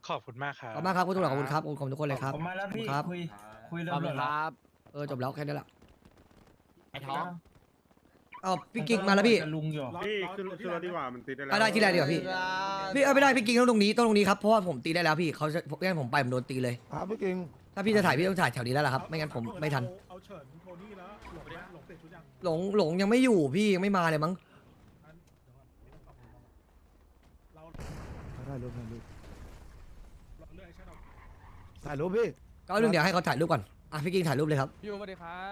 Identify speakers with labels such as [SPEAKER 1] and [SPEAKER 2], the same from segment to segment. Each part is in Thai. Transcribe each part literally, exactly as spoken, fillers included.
[SPEAKER 1] ขอบคุณมากครั
[SPEAKER 2] ขอบ
[SPEAKER 1] บ
[SPEAKER 2] คุณมากครับคุณตำรวจขอบคุณครับขอบคุณทุกคนเลยครับ
[SPEAKER 3] ผมมาแล้วพี่
[SPEAKER 2] ครับ
[SPEAKER 3] คุยคุย
[SPEAKER 4] ข
[SPEAKER 3] เรื่
[SPEAKER 4] อ
[SPEAKER 3] อบ ง
[SPEAKER 4] คุ
[SPEAKER 3] เรื่
[SPEAKER 4] ณ
[SPEAKER 3] อง
[SPEAKER 4] ค
[SPEAKER 3] แล้ว
[SPEAKER 4] รับ
[SPEAKER 2] เออจบแล้วแค่นี้แหละ
[SPEAKER 4] ไอ้ท้อง
[SPEAKER 2] เอาพี่กิ๊กมาแล้วพี่
[SPEAKER 3] กับลุงอยู่
[SPEAKER 5] พี่ขึ้นขึ้นรถดีกว่ามันติดได้แล้ว
[SPEAKER 2] อ่ะได้ที่แรกดีกว่าพี่พี่เออไม่ได้พี่กิ๊กต้องตรงนี้ต้องตรงนี้ครับเพราะว่าผมตีได้แล้วพี่เขาจะงั้นผมไปผมโดนตีเลย
[SPEAKER 6] ครับพี่กิง
[SPEAKER 2] ถ้าพี่จะถ่ายพี่ต้องถ่ายแถวนี้แล้วล่ะครับไม่งั้นผมไม่ทัน
[SPEAKER 7] เอาเฉินโทนี่แล้วหลงนะหลงเปลี่ยนชุดยัง
[SPEAKER 2] หลงหลงยังไม่อยู่พี่ยังไม่มาเลยมั้ง
[SPEAKER 7] งั้นเดี๋ยวก่อนไม่ต้องตอบผมเรา
[SPEAKER 6] ถ่ายรูปถ่ายรูป
[SPEAKER 7] เราเลือกไอ้ชาดอก
[SPEAKER 6] ถ่ายรูปพี่
[SPEAKER 2] ก็เรื่องเดี๋ยวให้เขาถ่ายรูปก่อนอ่ะพี่กิ๊กถ่ายรูปเลยครับ
[SPEAKER 4] พี่สวัสดีครับ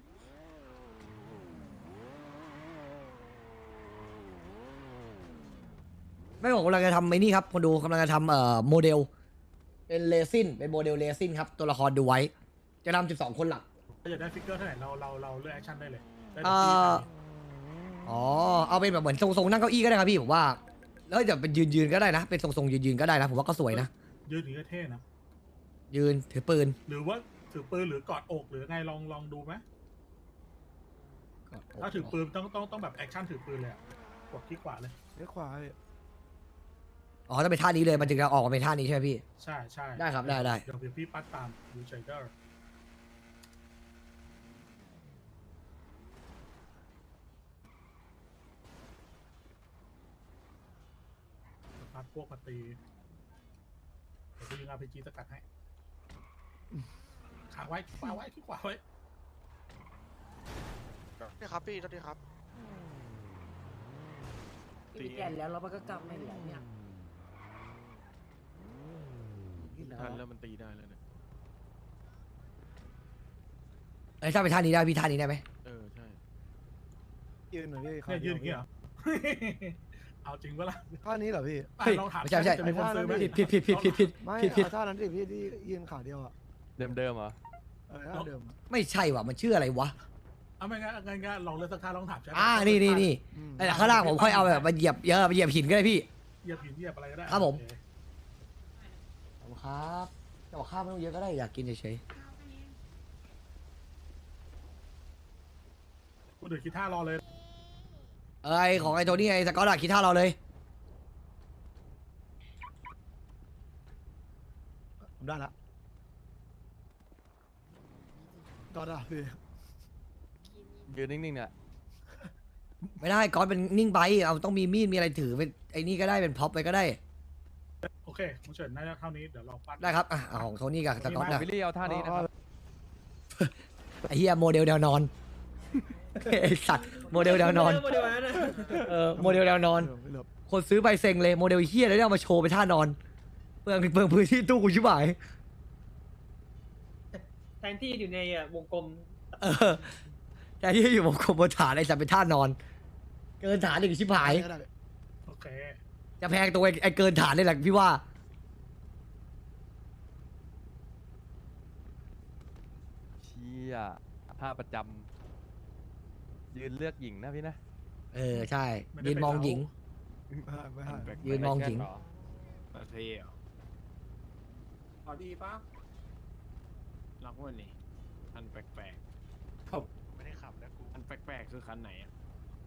[SPEAKER 2] ไม่ผมกำลังจะทำไอ้นี่ครับคนดูกำลังจะทำเอ่อโมเดลเป็นเลซินเป็นโมเดลเลซินครับตัวละครดูไว้ จะทำสิบสองคนหลัก
[SPEAKER 7] ถ้าอยากได้ฟิกเกอร์เท่าไหร่เราเราเราเลือกแอคชั่นได้เลยได้
[SPEAKER 2] เอ่อ อ๋อเอาเป็นแบบเหมือนทรงๆนั่งเก้าอี้ก็ได้ครับพี่ผมว่าแล้วจะเป็นยืนๆก็ได้นะเป็นทรงๆยืนๆก็ได้นะผมว่าก็สวยนะ
[SPEAKER 7] ยืนหรือเท่นะ
[SPEAKER 2] ยืนถือปืน
[SPEAKER 7] หรือว่าถือปืนหรือกอดอกหรือไงลองลองดูไหมถ้าถือปืนต้องต้องต้องแบบแอคชั่นถือปืนเลยอะกดที่ขวาเลย
[SPEAKER 6] เลี้ยวขวาพี่
[SPEAKER 2] อ๋อต้องเป็นท่านี้เลยมันถึงจะออกมาเป็นท่านี้ใช่ไหมพี่
[SPEAKER 7] ใช่ใช่
[SPEAKER 2] ได้ครับได้ได้
[SPEAKER 7] เดี๋ยวเดี๋ยวพี่ปัดตามดูเชเดอร์ปัดพวกมาตีเดี๋ยวพี่ยิงอาร์พีจีสกัดให้ขาไว้ขวาไว้ที่ขวาไว้
[SPEAKER 1] นี่ครับพี่สวัสดีครับ
[SPEAKER 4] ตีแก่แล้วเราก็กลับไม่เหลือเนี่ย
[SPEAKER 5] ทันแล้วมันตีได้แล้วเนี่ย
[SPEAKER 2] ไอ้ยถ้าเป็นท่านี้ได้พี่ท่านี้ได้ไหม
[SPEAKER 5] เออใช่
[SPEAKER 6] ยืนหน่อยพี่
[SPEAKER 7] เนี่ยยืนอย่างเงี้ยเหรอ เอาจริงปะล่ะ
[SPEAKER 6] ท่านี้เหรอพี่
[SPEAKER 7] อ่ะลองถาม
[SPEAKER 2] ไม่ใช่ไม่ใช่
[SPEAKER 7] จะมีคนซื้อไหม
[SPEAKER 2] ผิดผิดผิดผิดผิดผิด
[SPEAKER 6] ไม่
[SPEAKER 2] ผิดผิด
[SPEAKER 6] เอาท่านั้นดิพี่ที่ยืนขาเดียวอ่ะ
[SPEAKER 5] เดิมเดิมเหรอ
[SPEAKER 6] เออท่าเดิมอะ
[SPEAKER 2] ไม่ใช่ว่ะมันชื่ออะไรวะ
[SPEAKER 7] เอาไม่งั้นงั้นงั้นลองเลือกสักท่าลองถามใช่ไหม
[SPEAKER 2] อ่านี่นี่นี่
[SPEAKER 6] อืม
[SPEAKER 2] ไอ้ข้างล่างผมค่อยเอาแบบมาเหยียบเยอะมาเหยียบหินก็ได้พี่
[SPEAKER 7] เหยียบหินเหยียบอะไรก็ได้
[SPEAKER 2] ครับผม
[SPEAKER 7] โอเ
[SPEAKER 2] ขอบคุณครับจะบอกข้าวไม่ต้องเยอะก็ได้อยากกินเฉย
[SPEAKER 7] คุณอื่นคิดท่ารอเลย
[SPEAKER 2] ๆเอ้ยของไอ้โทนี่ไอ้สกอตอะคิดท่าเราเลย
[SPEAKER 6] ผมได้ละก็ได้พี่
[SPEAKER 5] ยืนนิ่งๆเนี่ย
[SPEAKER 2] ไม่ได้ก๊อตเป็นนิ่งไปเอาต้องมีมีดมีอะไรถือเป็นไอ้นี่ก็ได้เป็นพ็อปไปก็ได้
[SPEAKER 7] โอเคคุณเฉินน่าจะเท่านี้เดี๋ยวเราปัด
[SPEAKER 2] ได้ครับอ่ะเอาของโทนี่กับสกอตนะ
[SPEAKER 5] วิลลี่เอาท่านี้นะครับ
[SPEAKER 2] ไอ้เหี้ยโมเดลแนวนอน ไอ้สัตว์โมเดลแนวนอนเออโมเดลแนวนอน
[SPEAKER 6] ไม่เหลือ
[SPEAKER 2] คนซื้อไปเซ็งเลยโมเดลเฮียแล้วเอามาโชว์ไปท่านอนเปลืองเปลืองพื้นที่ตู้กูชิบหาย
[SPEAKER 8] แทนที่อยู่ในอ่ะวงกลม
[SPEAKER 2] เออแต่ที่อยู่บนคอมบนฐานไอ้สัตว์เป็นท่านอน เกินฐานอีกชิบหาย
[SPEAKER 6] ได้ได้
[SPEAKER 7] โอเค
[SPEAKER 2] จะแพงตัวไอ้ไอ้เกินฐานนี่แหละพี่ว่า
[SPEAKER 5] เชี่ยท่าประจำยืนเลือกหญิงนะพี่นะ
[SPEAKER 2] เออใช่ยืนมองหญิง
[SPEAKER 6] ไม่ให้ไม่ให้
[SPEAKER 2] ยืนมองหญิง
[SPEAKER 4] เท่เหรอ
[SPEAKER 8] พอดีปะ
[SPEAKER 4] ล็อกวันนี้คันแปลก
[SPEAKER 1] ไม่ได้ขับแล้วกู
[SPEAKER 4] ๆคันแปลกๆคือคันไหนอ่ะ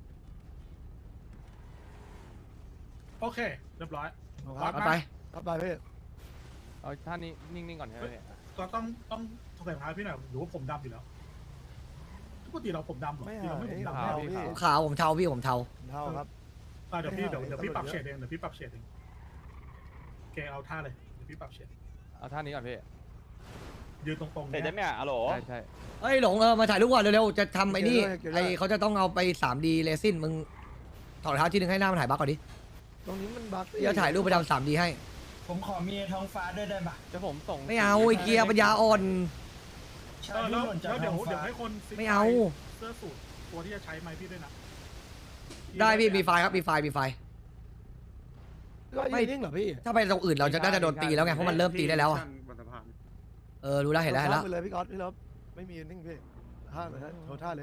[SPEAKER 7] โอเค เรียบร้อย
[SPEAKER 6] เอาค
[SPEAKER 7] ปั
[SPEAKER 6] รั
[SPEAKER 7] ด
[SPEAKER 6] บ
[SPEAKER 2] เอา
[SPEAKER 7] มา
[SPEAKER 2] ไป
[SPEAKER 6] เอาไปพี่
[SPEAKER 5] เอาท่านี้นิ่งๆก่อนใช่ไหมเนี่ย
[SPEAKER 7] ก็ต้องต้องใส่รองเท้าพี่หน่อยหรือว่าผมดำอยู่แล้วปกติเราผมดำเหรอ
[SPEAKER 6] ไม่
[SPEAKER 7] ที่
[SPEAKER 6] เอา
[SPEAKER 7] เราไม่ผม
[SPEAKER 6] ไม่
[SPEAKER 7] ดำ
[SPEAKER 6] เอา
[SPEAKER 7] ไม่เอา
[SPEAKER 6] พี่
[SPEAKER 2] ผมขาวผมเทาพี่ผมเทา
[SPEAKER 6] เท่าครับ
[SPEAKER 7] อ่ะเดี๋ยวพี่เดี๋ยว
[SPEAKER 6] ไม่เอา
[SPEAKER 7] เดี๋ยวพี่
[SPEAKER 6] ตำรวจ
[SPEAKER 7] ปรับ
[SPEAKER 6] เย
[SPEAKER 7] เฉ
[SPEAKER 6] อะ
[SPEAKER 7] ดเองเดี๋ยวพี่ปรับเฉดเองโอเคเอาท่าเลยเดี๋ยวพี่ปรับเฉด
[SPEAKER 5] เอาท่านี้ก่อนพี่
[SPEAKER 7] ยืนตรงๆ
[SPEAKER 9] เห็น
[SPEAKER 7] เนี่ย
[SPEAKER 9] เนี่ยอะโหล
[SPEAKER 5] ใช่ใช่
[SPEAKER 2] เอ้ยหลงเออมาถ่ายรูปก่อนเร็วๆจะทำไอ้นี่ไอ้เขาจะต้องเอาไปสามดีเลซินมึงถอดรองเท้าที่หนึ่งให้หน้ามันถ่ายบักก่อนดิ
[SPEAKER 6] ตรงนี้มันบั๊ก
[SPEAKER 2] เดี๋ยวถ่ายรูปไปทำสามดีให้
[SPEAKER 3] ผมขอมีท้องฟ้าด้วยได้ปะ
[SPEAKER 5] จะผมส่ง
[SPEAKER 2] ไม่เอาไอ้เกียร์ปัญญาอ่อน
[SPEAKER 3] ใช่
[SPEAKER 7] เออ
[SPEAKER 3] ที่
[SPEAKER 7] แล้ว
[SPEAKER 3] หล่นจาก
[SPEAKER 7] แล้วเดี๋ย
[SPEAKER 3] ท้
[SPEAKER 7] ว
[SPEAKER 3] อง
[SPEAKER 7] เดี๋ย
[SPEAKER 3] ฟ้าว
[SPEAKER 7] ให้คนซิก
[SPEAKER 2] ไม่เอา
[SPEAKER 7] เสื้อสูทตัวที่จะใช้ไม้พี่ด้วยนะ
[SPEAKER 2] ได้พี่มีไฟล์ครับมีไฟล์มีไฟล์
[SPEAKER 6] ก็
[SPEAKER 2] ไม่
[SPEAKER 6] ยืนนิ่งเหรอพี่
[SPEAKER 2] ถ้าไปตรงอื่นเราจะน่าจะโดนตีแล้วไงเพราะมันเริ่มตีได้แล้วอะ
[SPEAKER 5] บนสะพาน
[SPEAKER 2] เออรู้แล้วเห็นแล้วเห็นแล้ว
[SPEAKER 6] ไปเลยพี่ก๊อตพี่ลบไม่มียืนนิ่งพี่ท่าเลยโชว์ท่าเลย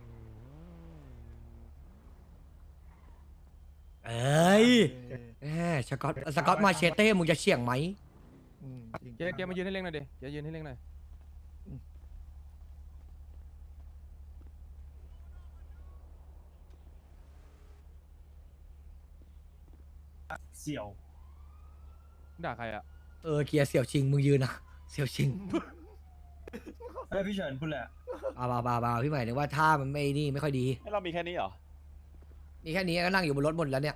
[SPEAKER 2] เอ้ย
[SPEAKER 6] เออ
[SPEAKER 2] แหมสกอตสกอตมาเชเต้มึงจะเฉียงไหม
[SPEAKER 6] อืมจริง
[SPEAKER 5] เกียร์เกียร์มายืนให้เร่งหน่อยดิเกียร์ยืนให้เร่งหน่อย
[SPEAKER 3] เสี่ยว
[SPEAKER 5] ด่าใครอ่ะ
[SPEAKER 2] เออเกียร์เสี่ยวชิงมึงยืนนะเสี่ยวชิง
[SPEAKER 3] เอ้ยพี่เฉินพูดแหละ
[SPEAKER 2] บาบาบาบาพี่ใหม่นึกว่าท่ามันไม่นี่ไม่ค่อยดี
[SPEAKER 9] ให้เรามีแค่นี้เหรอ
[SPEAKER 2] มีแค่นี้ก็นั่งอยู่บนรถหมดแล้วเนี่ย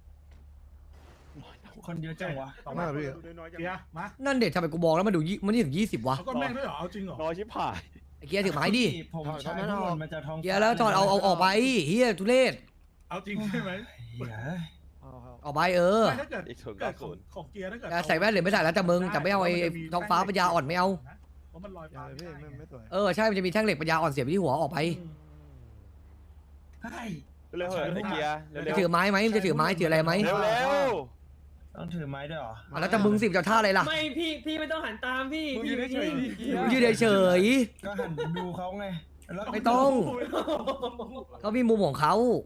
[SPEAKER 3] คนเยอะจังวะ
[SPEAKER 7] ต่อ
[SPEAKER 6] มา
[SPEAKER 7] มา
[SPEAKER 6] พี่
[SPEAKER 7] เกียร์มา
[SPEAKER 2] นั่นเด็ดทำไมกูบอกแล้วมันดูยี่มันนี่ถึงยี่สิบวะ
[SPEAKER 7] เอาก้อนแม่งด้วยเหรอเอาจริงเหรอ
[SPEAKER 9] น้อยชิบหาย
[SPEAKER 2] ไอ้เกียร์ถือไม้ดิ
[SPEAKER 3] ผมใช้ทุกคนมาจากท้องฟ้า
[SPEAKER 2] เกียร์แล้วถอดเอาเอาออกไปเฮียทุเรศ
[SPEAKER 7] เอาจริงใช่ไหม
[SPEAKER 3] เหี้ย
[SPEAKER 6] เอาเอา
[SPEAKER 2] ออกไปเออ
[SPEAKER 7] ไม่ถ้าเกิด
[SPEAKER 9] อีกศูนย์
[SPEAKER 7] เกิ
[SPEAKER 9] เก้า
[SPEAKER 7] ดข
[SPEAKER 9] ศู
[SPEAKER 7] อง
[SPEAKER 9] นย์
[SPEAKER 7] ของเกียร์ถ้าเกิด
[SPEAKER 2] จะใส่แว่นหรือไม่ใส่แล้วแต่มึงแต่ไม่เอาไอ้ไอ้ท้องฟ้าปัญญาอ่อนไม่เอา
[SPEAKER 7] เพราะมันลอย
[SPEAKER 6] อย่า
[SPEAKER 7] ฟ้า
[SPEAKER 6] เลย
[SPEAKER 7] ไม่
[SPEAKER 6] พี่
[SPEAKER 7] ได้
[SPEAKER 6] ไม่ไม่สวย
[SPEAKER 2] เออใช่มันจะมีแท่งเหล็กปัญญาอ่อนเสียบไปที่หัวออกไป
[SPEAKER 3] เฮ้ย
[SPEAKER 9] เร็วๆเถอะไอ้เกียร์เร็วๆ
[SPEAKER 2] จะถือไม้ไหมมันจะถือไม้ถืออะไรไหม
[SPEAKER 9] เร็ว
[SPEAKER 3] ต้องถือไม้ด้วยเหรอ
[SPEAKER 2] อ่ะแล้วแต่มึงสิบจะท่าอะไรล่ะ
[SPEAKER 8] ไม่พี่พี่ไม่ต้องหันตามพี่
[SPEAKER 5] มึง
[SPEAKER 8] พี่
[SPEAKER 5] ยืนเฉยๆดิเกียร์
[SPEAKER 2] มึงยืนเฉย
[SPEAKER 3] ก็หันดูเขาไงแล้วก็
[SPEAKER 2] ๆไม่ต้องเขามีมุมของเขา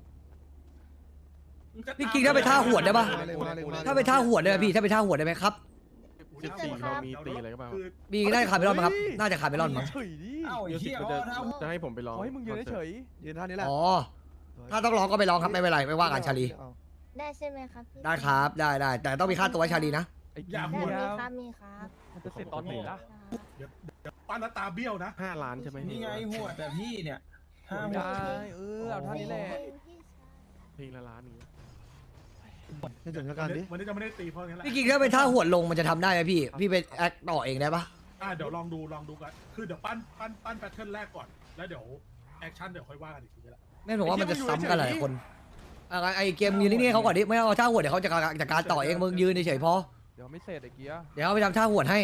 [SPEAKER 2] พี่กิ๊กถ้าไปท่าหวดได้ปะ
[SPEAKER 6] มาเลยมาเลยมาเลย
[SPEAKER 2] ถ้าไปท่าหวดได้ไหมพี่ถ้าไปท่าหวดได้ไหมครับ
[SPEAKER 1] สิบสี่เรามีตีอะไรก็เปล่า
[SPEAKER 7] คือ
[SPEAKER 2] มีน่าจะขาดไปรอดมั้งครับน่าจะขาดไปรอดมั้ง
[SPEAKER 5] เฉยดิ
[SPEAKER 3] เอ้าไอ้
[SPEAKER 1] เดี๋ยวสิ
[SPEAKER 3] เหี้ย
[SPEAKER 1] บ
[SPEAKER 3] เขา
[SPEAKER 1] จะ
[SPEAKER 3] เอา
[SPEAKER 1] จะให้ผมไปลอง
[SPEAKER 5] ขอให้มึงยืนเฉย
[SPEAKER 6] ยืนท่านี้แหละ
[SPEAKER 2] อ๋อถ้าต้องร้องก็ไปร้องครับไม่เป็นไรไม่ว่ากันชาลี
[SPEAKER 6] เอา
[SPEAKER 10] ได้ใช่ไหมครับพี่
[SPEAKER 2] ได้ครับได้ได้แต่ต้องมีค่าตัวให้ชาลีนะ
[SPEAKER 5] ๆไอ้
[SPEAKER 7] อ
[SPEAKER 5] เกี
[SPEAKER 7] ย่า
[SPEAKER 5] ย
[SPEAKER 10] ได้
[SPEAKER 7] พูด
[SPEAKER 10] มี
[SPEAKER 5] ร์
[SPEAKER 10] ครับมีครับ
[SPEAKER 5] มันจะเสร็จตอนไหนล่ะ
[SPEAKER 7] ปั้นแล้วตาเบี้ยวนะ
[SPEAKER 1] ห้าล้านใช่ไหม
[SPEAKER 3] นี่ไงหัวแต่พี่เนี่ยห้าหัว
[SPEAKER 5] ได้เออเอาท่านี้แหละ
[SPEAKER 1] เพลงละล้านนี้
[SPEAKER 6] ในสถานการณ์ดิ
[SPEAKER 7] วันนี้จะไม่ได้ตีเพราะงั้นแหละ
[SPEAKER 2] พี่กิ๊กถ้าไปท่าหวดลงมันจะทำได้ไหมพี่พี่ไปแอคต่อเองได้ปะ
[SPEAKER 7] อ่าเดี๋ยวลองดูลองดูกันคือเดี๋ยวปั้นปั้นปั้นแพทเทิร์นแรกก่อนแล้วเดี๋ยวแอคชั่นเดี๋ยวค่อยว่ากันอีกทีก็ได้
[SPEAKER 2] แม่ผมว่ามันจะซ้ำกันหลายคนอ่ะไอเกมยืนนิ่งๆเขาก่อนดิไม่เอาท่าหวดเดี๋ยวเขาจะจัดการต่อเองมึงยืนเฉยๆพอ
[SPEAKER 5] เดี๋ยวไม่เสร็จไอ้เกียร์
[SPEAKER 2] เดี๋ยวเอาไปทำท่าหวดให้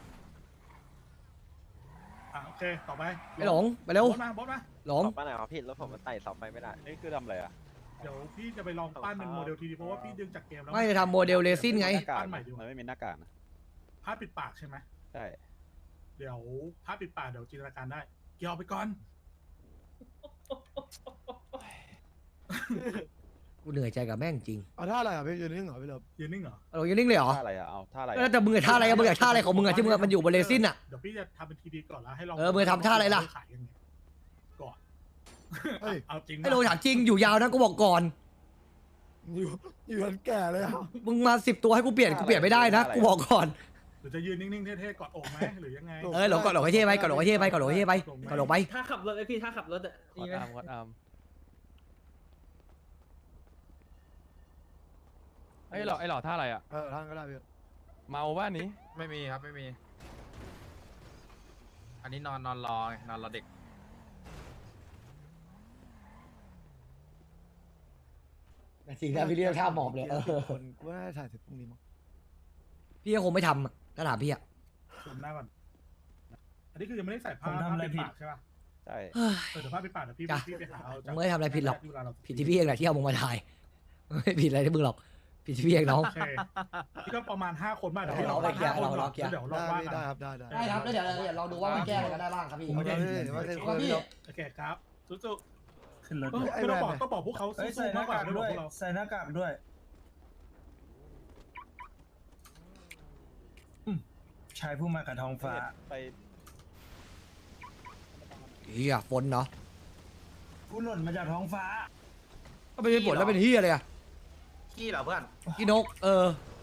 [SPEAKER 7] อ่ะโอเคต่อไป
[SPEAKER 2] ไปหลงไปเร็ว
[SPEAKER 7] บอสมาบอสมา
[SPEAKER 2] หลง
[SPEAKER 9] ป้าไหนครับพี่รถผมมันไต่เสาไปไม่ได้ นี่คือทำอะไรอ่ะ
[SPEAKER 7] เดี๋ยวพี่จะไปลองปั้นเป็นโมเดลทีดีเพราะว่าพี่ดึงจากเกมแล้ว
[SPEAKER 2] ไม่จะทำโมเดลเรซินไง
[SPEAKER 9] หน้ากาก
[SPEAKER 7] ปั้นใหม่ดีกว่า
[SPEAKER 9] มันไม่มีหน้ากากนะ
[SPEAKER 7] ผ้าปิดปากใช่ไหม
[SPEAKER 9] ใช่
[SPEAKER 7] เดี๋ยวผ้าปิดปากเดี๋ยวจินตนาการได้เกี่ยวไปก่อน
[SPEAKER 2] กูเหนื่อยใจกับแม่งจริง
[SPEAKER 6] เอาท่าอะไรอ่ะพี่ยืนนิ่งเหรอพี่เลิฟ
[SPEAKER 7] ยืนนิ่งเหรอ
[SPEAKER 2] เอาลงยืนนิ่งเลยเหรอ
[SPEAKER 9] ท่าอะไรอ่ะ เอาท่าอะไร
[SPEAKER 2] แล้วแต่มึงอะท่าอะไรอะมึงอะท่าอะไรของมึงอะที่มึงอะมันอยู่บนเรซินอะ
[SPEAKER 7] เดี๋ยวพี่จะทำเป็นทีดีก่อนแล้วให้ลอง
[SPEAKER 2] เออมึงทำท่าอะไรล่ะ
[SPEAKER 7] ขายยังไงก่อน
[SPEAKER 6] เฮ้ย
[SPEAKER 7] เอาจริงนะ
[SPEAKER 2] ไอ้โลถามจริงอยู่ยาวนะกูบอกก่อน
[SPEAKER 6] อยู่อยู่กันแก่เลยอ่ะ
[SPEAKER 2] มึงมาสิบตัวให้กูเปลี่ยนกูเปลี่ยนไม่ได้นะกูบอกก่อน
[SPEAKER 7] หรือจะยืนนิ่งๆเท่ๆกอดอกไหมหรือยังไง
[SPEAKER 2] เออหลงก่อนหลงไอ้เท่ไปก่อนหลงไอ้เท่ไปก่อนหลงไอ้เท่ไปก่อนหลงไป
[SPEAKER 8] ถ้าขับรถไอพี่ถ้าขับรถอ่ะ
[SPEAKER 5] ก
[SPEAKER 8] มี
[SPEAKER 5] ด
[SPEAKER 8] ไหม
[SPEAKER 5] อาร์มกดอาร์มไอ้หล่อไอ้หล่อท่าอะไรอ่ะ
[SPEAKER 6] เออท่าก็ได้พี่
[SPEAKER 5] เมาบ้านนี้
[SPEAKER 4] ไม่มีครับไม่มี อันนี้นอนนอนรอไงนอนรอเด็ก
[SPEAKER 2] จริงนะพี่เรียกท่าหมอบเลยเออ
[SPEAKER 6] คนกูว่าน่าจะถ่ายเสร็จพรุ่งนี้มั้ง
[SPEAKER 2] พี่ก็คงไม่ทำอะถ้าถามพี่อะ
[SPEAKER 7] ชมหน้าก่อนอันนี้คือยังไม่ได้ใส่ผ้า
[SPEAKER 3] ผมทำอะไร
[SPEAKER 7] ผ้าปิด
[SPEAKER 3] ผิด
[SPEAKER 7] ปากใช่ป่ะ
[SPEAKER 9] ใช่
[SPEAKER 2] เฮ้ย
[SPEAKER 7] เออเดี๋ยวผ้าปิดปากเดี๋ยวพี่
[SPEAKER 2] จ้ะ
[SPEAKER 7] พี่ไปหาเอา
[SPEAKER 2] ผมไม่ได้ทำอะไรผิดหรอก
[SPEAKER 7] ที่เวลาเรา
[SPEAKER 2] ผิดที่พี่เองแหละที่เอามึงมาถ่ายไม่ผิดอะไรที่มึงหรอกผิดที่พี่เองน้อง
[SPEAKER 7] โอเคนี่ก็ประมาณห้าคนบ้างเดี๋ยว
[SPEAKER 2] เราไปเคลียร์เราเราเคลียร์
[SPEAKER 7] เดี๋ยวเรา
[SPEAKER 6] ได้
[SPEAKER 7] ว่า
[SPEAKER 6] พี่
[SPEAKER 7] กั
[SPEAKER 6] ได้
[SPEAKER 7] น
[SPEAKER 6] ครับได้ได้
[SPEAKER 2] ได้ครับแล้วเดี๋ยวเดี๋ยวเราดูว่ามันแก้อะไรกันได้บ้างครับพี่
[SPEAKER 3] ผมไม่ได้
[SPEAKER 6] เอาเลยว่าเท่ๆพี่เลิฟ
[SPEAKER 7] โอเคครับสู้
[SPEAKER 3] ขึ้นรถ
[SPEAKER 7] ๆเออ
[SPEAKER 6] ไอ้
[SPEAKER 7] ไม่ต้อง
[SPEAKER 6] แบรนด์
[SPEAKER 7] บอกก็บอกพวกเขา
[SPEAKER 3] เอ้ย
[SPEAKER 7] สู้
[SPEAKER 3] ใส่ห
[SPEAKER 7] ๆมา
[SPEAKER 3] น้าก
[SPEAKER 7] กกว่า
[SPEAKER 3] กาก
[SPEAKER 7] ไม่บอ
[SPEAKER 3] ด้
[SPEAKER 7] ก
[SPEAKER 3] วย
[SPEAKER 7] พวกเรา
[SPEAKER 3] ใส่หน้ากากด้วยอืมชายผู้มากับท้องฟ้า
[SPEAKER 9] ไป
[SPEAKER 2] เฮียฝนเนาะ
[SPEAKER 3] ผู้หล่นมาจากท้องฟ้า
[SPEAKER 2] ก็ไม่เป็นฝนแล้วเป็นเฮียเลยอะ
[SPEAKER 4] ขี้เหรอเพื่อน
[SPEAKER 2] พี่นกเออ